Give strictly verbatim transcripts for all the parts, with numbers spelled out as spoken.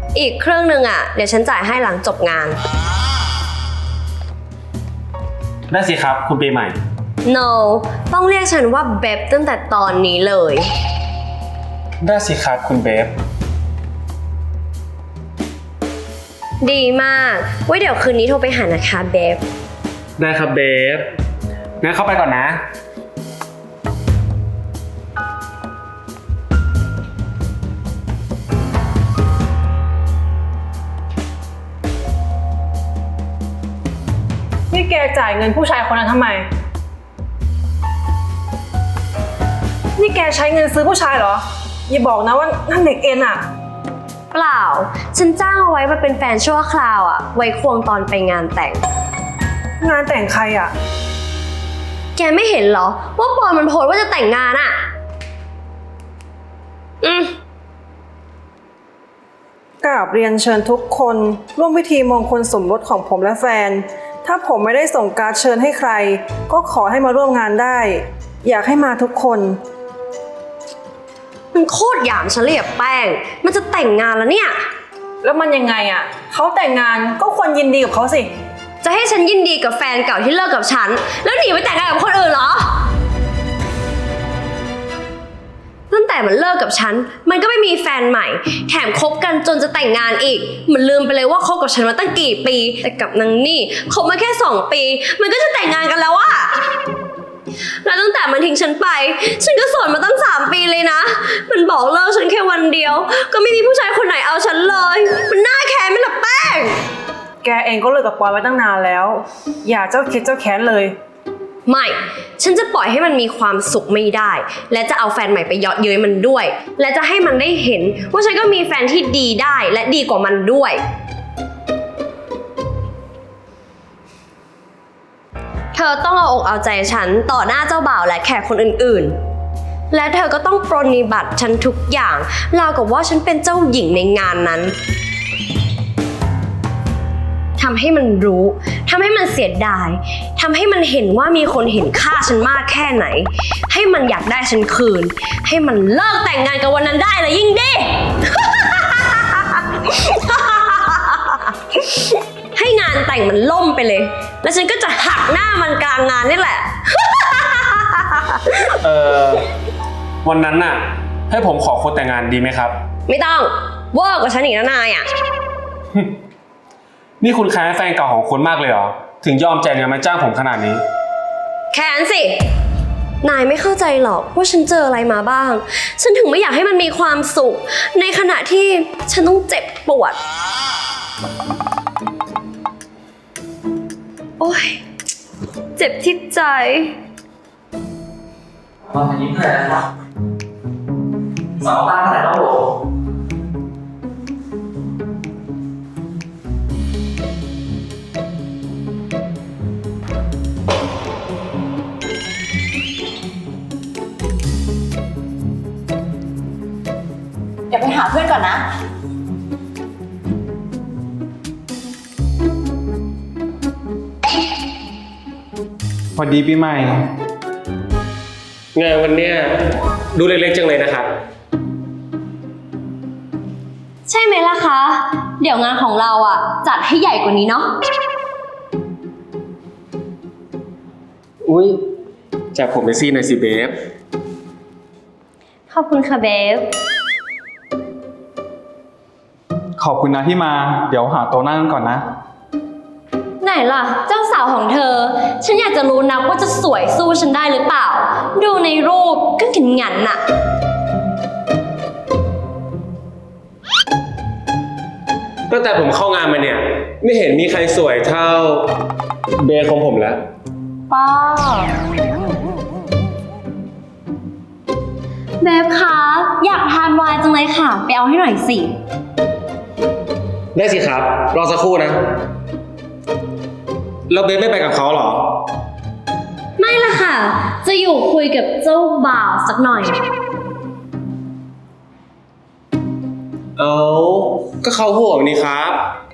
อีกครึ่งหนึ่งอ่ะเดี๋ยวฉันจ่ายให้หลังจบงานได้สิครับคุณปีใหม่ no ต้องเรียกฉันว่าเบบตั้งแต่ตอนนี้เลยได้สิครับคุณเบฟดีมากไว้เดี๋ยวคืนนี้โทรไปหานะคะเบบได้ครับเบฟงั้นเข้าไปก่อนนะนี่แกจ่ายเงินผู้ชายคนนั้นทำไมนี่แกใช้เงินซื้อผู้ชายเหรออย่าบอกนะว่านั่นเด็กเอ็นอะเปล่าฉันจ้างเอาไว้มาเป็นแฟนชั่วคราวอ่ะไว้ควงตอนไปงานแต่งงานแต่งใครอะแกไม่เห็นเหรอว่าปอนมันโพสต์ว่าจะแต่งงานอ่ะอืมกราบเรียนเชิญทุกคนร่วมพิธีมงคลสมรสของผมและแฟนถ้าผมไม่ได้ส่งการ์ดเชิญให้ใครก็ขอให้มาร่วมงานได้อยากให้มาทุกคนมันโคตรหยามฉันเลยอะแป้งมันจะแต่งงานแล้วเนี่ยแล้วมันยังไงอะเขาแต่งงานก็ควรยินดีกับเขาสิจะให้ฉันยินดีกับแฟนเก่าที่เลิกกับฉันแล้วหนีไปแต่งงานกับคนอื่นเหรอตั้งแต่มันเลิกกับฉันมันก็ไม่มีแฟนใหม่แถมคบกันจนจะแต่งงานอีกมันลืมไปเลยว่าคบกับฉันมาตั้งกี่ปีแต่กับนางนี่คบมาแค่สองปีมันก็จะแต่งงานกันแล้วอะแล้วตั้งแต่มันทิ้งฉันไปฉันก็โสดมาตั้งสามปีเลยนะมันบอกเลิกฉันแค่วันเดียวก็ไม่มีผู้ชายคนไหนเอาฉันเลยมันน่าแค้นไหมล่ะแป้งแกเองก็เลิกกับปอยไว้ตั้งนานแล้วอย่าเจ้าคิดเจ้าแค้นเลยไม่ฉันจะปล่อยให้มันมีความสุขไม่ได้และจะเอาแฟนใหม่ไปเยาะเย้ยมันด้วยและจะให้มันได้เห็นว่าฉันก็มีแฟนที่ดีได้และดีกว่ามันด้วยเธอต้องเอาอกเอาใจฉันต่อหน้าเจ้าบ่าวและแขกคนอื่นๆและเธอก็ต้องปรนนิบัติฉันทุกอย่างราวกับว่าฉันเป็นเจ้าหญิงในงานนั้นทำให้มันรู้ทำให้มันเสียดายทำให้มันเห็นว่ามีคนเห็นค่าฉันมากแค่ไหนให้มันอยากได้ฉันคืนให้มันเลิกแต่งงานกับวันนั้นได้เลยยิ่งดี ให้งานแต่งมันล่มไปเลยแล้วฉันก็จะหักหน้ามันกลางงานนี่แหละเออวันนั้นน่ะให้ผมขอคนแต่งงานดีไหมครับไม่ต้องเวอร์กว่าฉันอีกนะนายอ่ะนี่คุณแค้นแฟนเก่าของคุณมากเลยเหรอถึงยอมจ่ายเงินมาจ้างผมขนาดนี้แค้นสินายไม่เข้าใจหรอกว่าฉันเจออะไรมาบ้างฉันถึงไม่อยากให้มันมีความสุขในขณะที่ฉันต้องเจ็บปวดโอ๊ยเจ็บที่ใจวันนี้เท่าไหร่แล้วสองตาเท่าไหร่แล้วโหเดี๋ยวไปหาเพื่อนก่อนนะพอดีปีใหม่งานวันเนี้ยดูเล็กๆจังเลยนะครับใช่ไหมล่ะคะเดี๋ยวงานของเราอ่ะจัดให้ใหญ่กว่านี้เนาะอุ้ยจากผมไปซี่หน่อยสิเบฟขอบคุณค่ะเบฟขอบคุณนะที่มาเดี๋ยวหาโต๊ะนั่งก่อนนะไหนล่ะเจ้าสาวของเธอฉันอยากจะรู้นะว่าจะสวยสู้ฉันได้หรือเปล่าดูในรูปก็ถึงงั้นน่ะตั้งแต่ผมเข้างานมาเนี่ยไม่เห็นมีใครสวยเท่าเบฟของผมแล้วป้าเบฟคะอยากทานไวน์จังเลยค่ะไปเอาให้หน่อยสิได้สิครับรอสักครู่นะแล้วเบฟไม่ไปกับเขาหรอไม่ล่ะค่ะจะอยู่คุยกับเจ้าบ่าวสักหน่อยเอาก็เขาห่วงนี่ครับ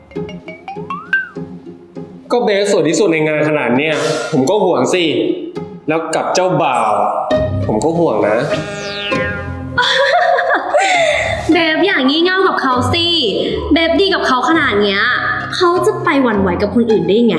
ก็เบฟสวยที่สุดในงานขนาดเนี้ยผมก็ห่วงสิแล้วกับเจ้าบ่าวผมก็ห่วงนะเบฟอย่างงี่เง่ากับเขาสิ เบบดีกับเขาขนาดเนี้ยเขาจะไปหวั่นไหวกับคนอื่นได้ไง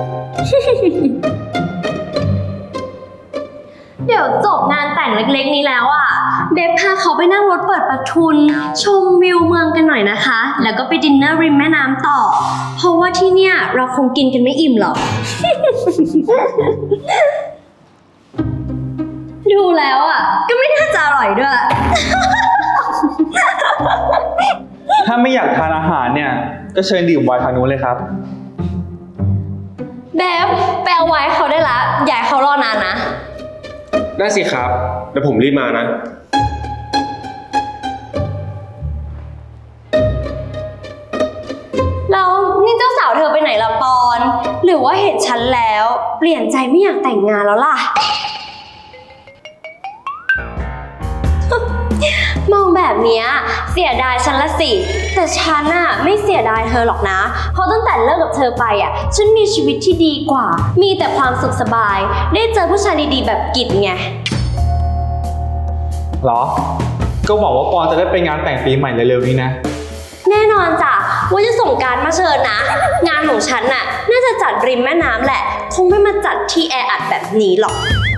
เดี๋ยวจบงานแต่งเล็กๆนี้แล้วอ่ะ เบบพาเขาไปนั่งรถเปิดประทุน ชมวิวเมืองกันหน่อยนะคะ แล้วก็ไปดินเนอร์ริมแม่น้ำต่อ เพราะว่าที่เนี่ยเราคงกินกันไม่อิ่มหรอก ดูแล้วอ่ะ ก็ไม่น่าจะอร่อยด้วยถ้าไม่อยากทานอาหารเนี่ย ก็เชิญดื่มไวน์ทางนู้นเลยครับเบบไปเอาไว้เขาได้ละอย่าให้เขารอนานนะได้สิครับเดี๋ยวผมรีบมานะแล้วนี่เจ้าสาวเธอไปไหนละปอน หรือว่าเห็นฉันแล้ว เปลี่ยนใจไม่อยากแต่งงานแล้วล่ะ มองแบบเนี้ยเสียดายฉันละสิ แต่ฉันอะไม่เสียดายเธอหรอกนะ เพราะตั้งแต่เลิกกับเธอไปอะฉันมีชีวิตที่ดีกว่า มีแต่ความสุขสบาย ได้เจอผู้ชายดีๆแบบกิจไงเหรอ ก็หวังว่าปอนจะได้ไปงานแต่งปีใหม่เร็วๆนี้นะแน่นอนจ้ะว่าจะส่งการดมาเชิญนะ งานของฉันน่ะน่าจะจัดริมแม่น้ำแหละ คงไม่มาจัดที่แออัดแบบนี้หรอก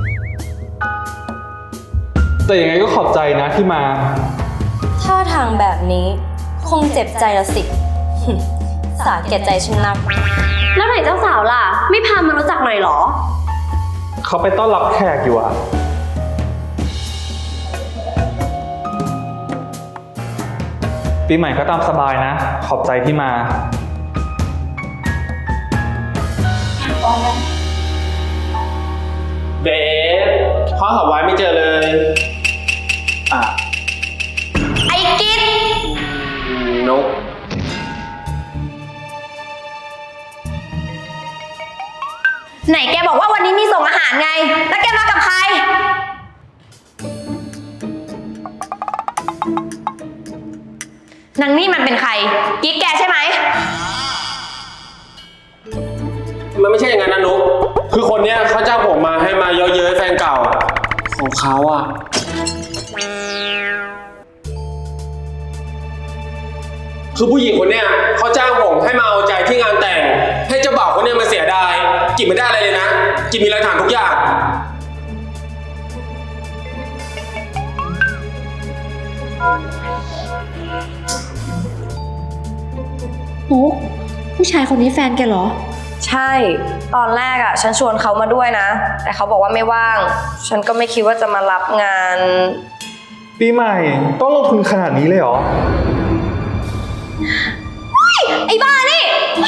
แต่ยังไงก็ขอบใจนะที่มาท่าทางแบบนี้คงเจ็บใจละสิ สาแก่ใจฉันนัก แล้วไหนเจ้าสาวล่ะ ไม่พามารู้จักหน่อยหรอเขาไปต้อนรับแขกอยู่อะปีใหม่ก็ตามสบายนะ ขอบใจที่มาเบสพ่อหาไว้ไม่เจอเลยอ่ะไอ้กิจนกไหนแกบอกว่าวันนี้มีส่งอาหารไง แล้วแกมากับใคร นางนี่มันเป็นใคร กิ๊กแกใช่ไหมมันไม่ใช่อย่างนั้นนะนุกคือคนเนี้ยเขาจ้างผมมาให้มาเยอะเย้ยแฟนเก่า ของเขาอะคือผู้หญิงคนเนี้ยเขาจ้างผมให้มาเอาใจที่งานแต่ง ให้เจ้าบ่าวคนเนี้ยมาเสียดายกิจไม่ได้อะไรเลยนะกิจมีหลักฐานทุกอย่างมุกผู้ชายคนนี้แฟนแกเหรอใช่ ตอนแรกอ่ะ ฉันชวนเขามาด้วยนะ แต่เขาบอกว่าไม่ว่าง ฉันก็ไม่คิดว่าจะมารับงานปีใหม่ต้องลงทุนขนาดนี้เลยเหรอไอ้บ้านี่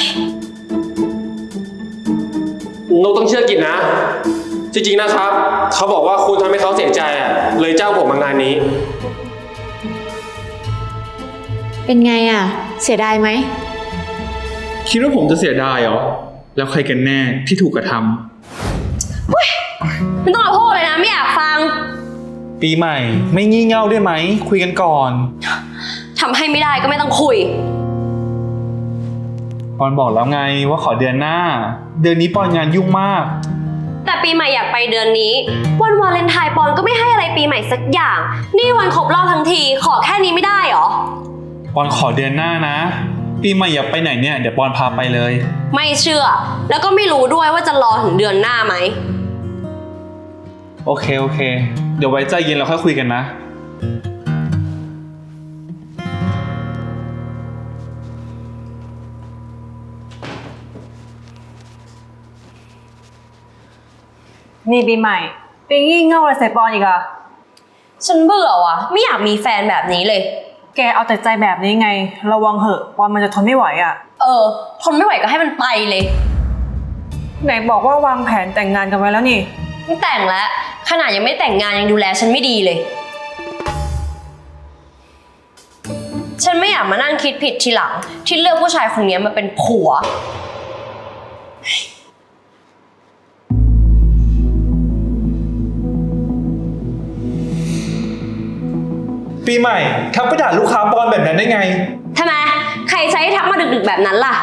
นกต้องเชื่อกิจนะ จริงๆนะครับ เขาบอกว่าคุณทำให้เขาเสียใจอ่ะ เลยจ้างผมมางานนี้เป็นไงอ่ะ เสียดายไหมคิดว่าผมจะเสียดายเหรอ แล้วใครกันแน่ที่ถูกกระทไม่ต้องมาพูดเลยนะ ไม่อยากฟังำปีใหม่ไม่งี่เง่าได้ไหม คุยกันก่อนทำให้ไม่ได้ก็ไม่ต้องคุยปอนบอกแล้วไงว่าขอเดือนหน้า เดือนนี้ปอนงานยุ่งมากแต่ปีใหม่อยากไปเดือนนี้ วันวาเลนไทน์ปอนก็ไม่ให้อะไรปีใหม่สักอย่าง นี่วันครบรอบทั้งที ขอแค่นี้ไม่ได้หรอปอนขอเดือนหน้านะ ปีใหม่อยากไปไหนเนี่ยเดี๋ยวปอนพาไปเลยไม่เชื่อ แล้วก็ไม่รู้ด้วยว่าจะรอถึงเดือนหน้าไหมโอเคโอเค เดี๋ยวไว้ใจเย็นเราค่อยคุยกันนะนี่ปีใหม่ปีงี่เง่าอะไรใส่ปอนอีกอะฉันเบื่อว่ะ ไม่อยากมีแฟนแบบนี้เลยแกเอาแต่ใจแบบนี้ไง ระวังเหอะปอนมันจะทนไม่ไหวอะเออ ทนไม่ไหวก็ให้มันไปเลยไหนบอกว่าวางแผนแต่งงานกันไว้แล้วนี่ไม่แต่งแล้ว ขนาดยังไม่แต่งงานยังดูแลฉันไม่ดีเลย ฉันไม่อยากมานั่งคิดผิดทีหลัง ที่เลือกผู้ชายคนนี้มาเป็นผัวปีใหม่ทักไปด่าลูกค้าปอนแบบนั้นได้ไงทำไม ใครใช้ให้ทักมาดึกๆแบบนั้นล่ะ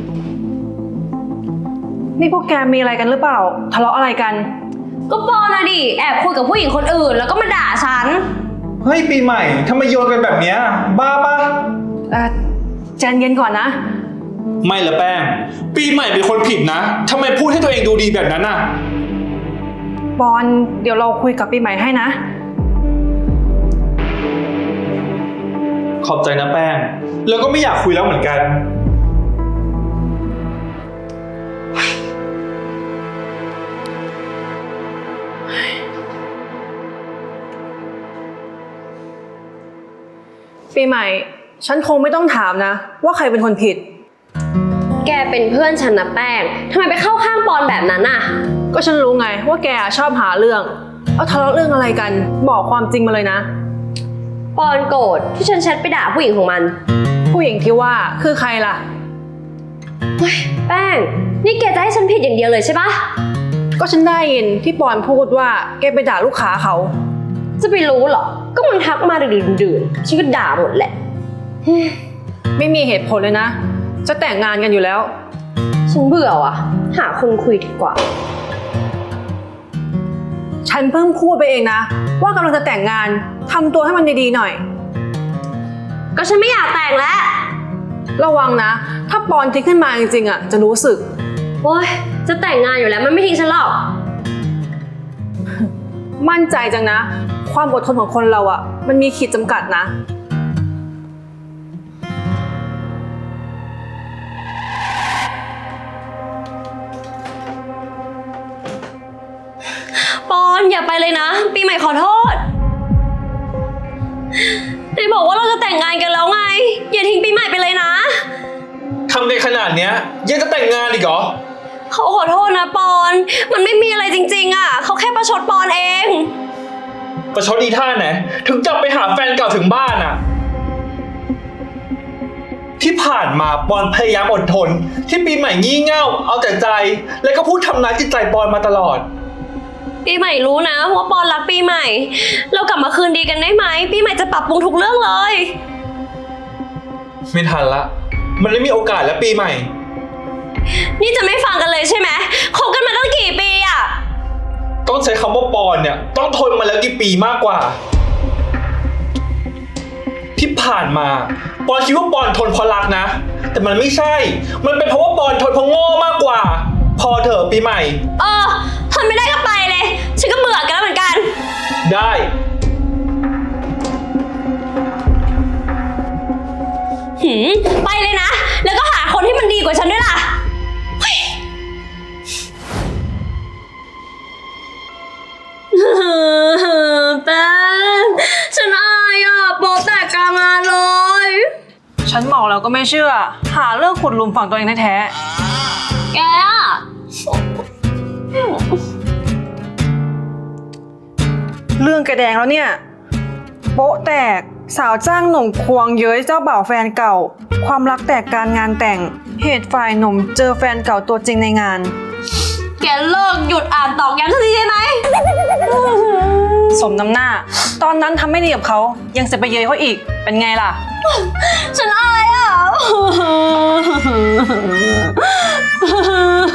นี่พวกแกมีอะไรกันหรือเปล่า ทะเลาะอะไรกันก็ปอนอะดิแอบคุยกับผู้หญิงคนอื่นแล้วก็มาด่าฉันเฮ้ยปีใหม่ทำไมโยนกันแบบเนี้ยบ้าปะเอ่อใจเย็นก่อนนะไม่ละแป้ง ปีใหม่เป็นคนผิดนะทำไมพูดให้ตัวเองดูดีแบบนั้นน่ะปอนเดี๋ยวเราคุยกับปีใหม่ให้นะขอบใจนะแป้ง แล้วก็ไม่อยากคุยแล้วเหมือนกันปีใหม่ ฉันคงไม่ต้องถามนะ ว่าใครเป็นคนผิดแกเป็นเพื่อนฉันนะแป้งทำไมไปเข้าข้างปอนแบบนั้นน่ะก็ฉันรู้ไงว่าแกชอบหาเรื่อง เอาทะเลาะเรื่องอะไรกัน บอกความจริงมาเลยนะปอนโกรธที่ฉันแชทไปด่าผู้หญิงของมันผู้หญิงที่ว่าคือใครล่ะเฮ้ยแป้ง นี่แกจะให้ฉันผิดอย่างเดียวเลยใช่ปะก็ฉันได้ยินที่ปอนพูดว่าแกไปด่าลูกค้าเขาจะไปรู้เหรอ ก็มันทักมาดื่นๆฉันก็ด่าหมดแหละไม่มีเหตุผลเลยนะ จะแต่งงานกันอยู่แล้วฉันเบื่อว่ะ หาคนคุยดีกว่าฉันเพิ่งพูดไปเองนะ ว่ากำลังจะแต่งงานทำตัวให้มันดีๆหน่อยก็ฉันไม่อยากแต่งแล้วระวังนะ ถ้าปอนทิ้งขึ้นมาจริงๆอ่ะจะรู้สึกโอ๊ย จะแต่งงานอยู่แล้วมันไม่ทิ้งฉันหรอกมั่นใจจังนะ ความอดทนของคนเราอ่ะ มันมีขีดจำกัดนะปอนอย่าไปเลยนะ ปีใหม่ขอโทษไหนบอกว่าเราจะแต่งงานกันแล้วไง อย่าทิ้งปีใหม่ไปเลยนะทำกันขนาดเนี้ยยังจะแต่งงานอีกเหรอเขาขอโทษนะปอน มันไม่มีอะไรจริงๆอ่ะ เขาแค่ประชดปอนเองประชดอีท่าไหนถึงจับไปหาแฟนเก่าถึงบ้านอ่ะ ที่ผ่านมาปอนพยายามอดทน ที่ปีใหม่งี่เง่าเอาแต่ใจ แล้วก็พูดทำร้ายจิตใจปอนมาตลอดปีใหม่รู้นะว่าปอนรักปีใหม่ เรากลับมาคืนดีกันได้ไหม ปีใหม่จะปรับปรุงทุกเรื่องเลยไม่ทันละ มันไม่มีโอกาสแล้วปีใหม่นี่จะไม่ฟังกันเลยใช่ไหมคบกันมาตั้งกี่ปีอ่ะต้องใช้คำว่าปอนเนี่ยต้องทนมาแล้วกี่ปีมากกว่า ที่ผ่านมาปอนคิดว่าปอนทนเพราะรักนะ แต่มันไม่ใช่ มันเป็นเพราะว่าปอนทนเพราะโง่มากกว่า พอเถอะปีใหม่เออทนไม่ได้ก็ไปเลย ฉันก็เบื่อกันแล้วเหมือนกันได้หืมไปเลยนะ แล้วก็หาคนที่มันดีกว่าฉันด้วยล่ะเฮ้ย แป้งฉันอายอ่ะโปะแตกกลางงานเลยฉันบอกแล้วก็ไม่เชื่อ หาเรื่องขุดหลุมฝังตัวเองแท้แกอ่ะๆเรื่องแกแดงแล้วเนี่ย โป๊ะแตกสาวจ้างหนุ่มควงเย้ยเจ้าบ่าวแฟนเก่า ความรักแตกการงานแต่ง เหตุฝ่ายหนุ่มเจอแฟนเก่าตัวจริงในงานแกเลิกหยุดอ่านตอกย้ำสักทีได้ไหมสมน้ำหน้า ตอนนั้นทำไม่ดีกับเขายังจะไปเย้ยเขาอีก เป็นไงล่ะฉันอายอ่ะ